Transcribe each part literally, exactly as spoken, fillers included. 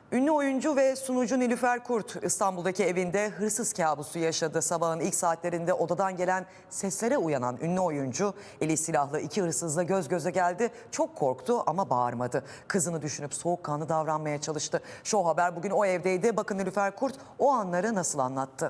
Ünlü oyuncu ve sunucu Nilüfer Kurt İstanbul'daki evinde hırsız kabusu yaşadı. Sabahın ilk saatlerinde odadan gelen seslere uyanan ünlü oyuncu eli silahlı iki hırsızla göz göze geldi. Çok korktu ama bağırmadı. Kızını düşünüp soğukkanlı davranmaya çalıştı. Show Haber bugün o evdeydi. Bakın Nilüfer Kurt o anları nasıl anlattı.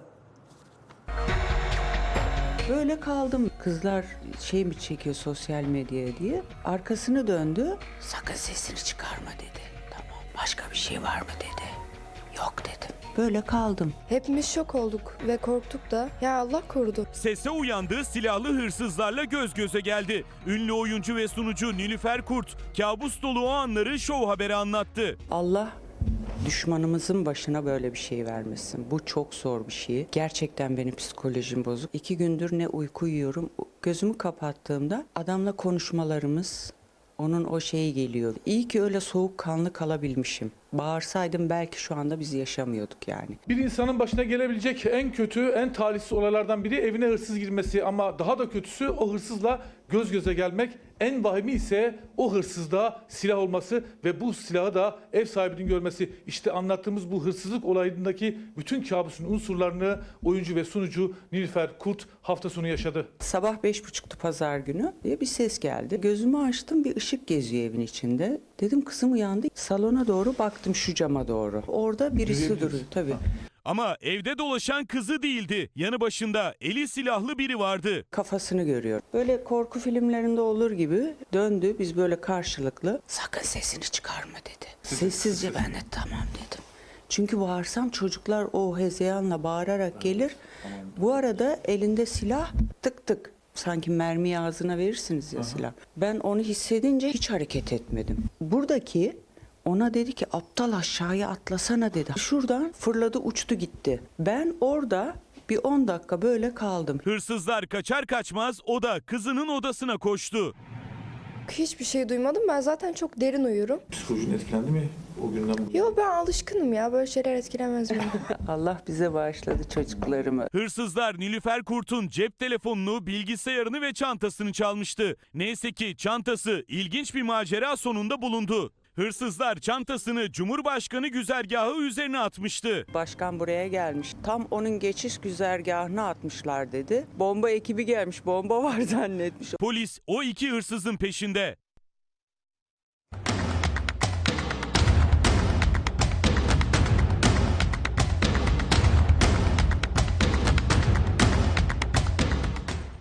Böyle kaldım. Kızlar şey mi çekiyor sosyal medyaya diye. Arkasını döndü. Sakın sesini çıkarma dedi. Tamam. Başka bir şey var mı dedi. Yok dedim. Böyle kaldım. Hepimiz şok olduk ve korktuk da. Ya Allah korudu. Sese uyandı, silahlı hırsızlarla göz göze geldi. Ünlü oyuncu ve sunucu Nilüfer Kurt kabus dolu o anları Show Haber'e anlattı. Allah düşmanımızın başına böyle bir şey vermesin. Bu çok zor bir şey. Gerçekten benim psikolojim bozuk. İki gündür ne uyku uyuyorum. Gözümü kapattığımda adamla konuşmalarımız, onun o şeyi geliyor. İyi ki öyle soğukkanlı kalabilmişim. Bağırsaydım belki şu anda biz yaşamıyorduk yani. Bir insanın başına gelebilecek en kötü, en talihsiz olaylardan biri evine hırsız girmesi, ama daha da kötüsü o hırsızla göz göze gelmek. En vahimi ise o hırsızda silah olması ve bu silahı da ev sahibinin görmesi. İşte anlattığımız bu hırsızlık olayındaki bütün kabusun unsurlarını oyuncu ve sunucu Nilüfer Kurt hafta sonu yaşadı. Sabah beş buçuktu pazar günü diye bir ses geldi. Gözümü açtım, bir ışık geziyor evin içinde. Dedim kızım uyandı. Salona doğru baktım, şu cama doğru. Orada birisi duruyor tabii. Ama evde dolaşan kızı değildi. Yanı başında eli silahlı biri vardı. Kafasını görüyor. Böyle korku filmlerinde olur gibi döndü. Biz böyle karşılıklı sakın sesini çıkarma dedi. Sessizce ben de tamam dedim. Çünkü bağırsam çocuklar o hezeyanla bağırarak gelir. Bu arada elinde silah, tık tık. Sanki mermiyi ağzına verirsiniz ya silah. Ben onu hissedince hiç hareket etmedim. Buradaki ona dedi ki aptal aşağıya atlasana dedi. Şuradan fırladı, uçtu gitti. Ben orada bir on dakika böyle kaldım. Hırsızlar kaçar kaçmaz o da kızının odasına koştu. Hiçbir şey duymadım. Ben zaten çok derin uyurum. Psikolojin etkilendi mi o günden bugüne? Yo, ben alışkınım ya. Böyle şeyler etkilemez beni. Allah bize bağışladı çocuklarımı. Hırsızlar Nilüfer Kurt'un cep telefonunu, bilgisayarını ve çantasını çalmıştı. Neyse ki çantası ilginç bir macera sonunda bulundu. Hırsızlar çantasını Cumhurbaşkanı güzergahı üzerine atmıştı. Başkan buraya gelmiş. Tam onun geçiş güzergahına atmışlar dedi. Bomba ekibi gelmiş. Bomba var zannetmiş. Polis o iki hırsızın peşinde.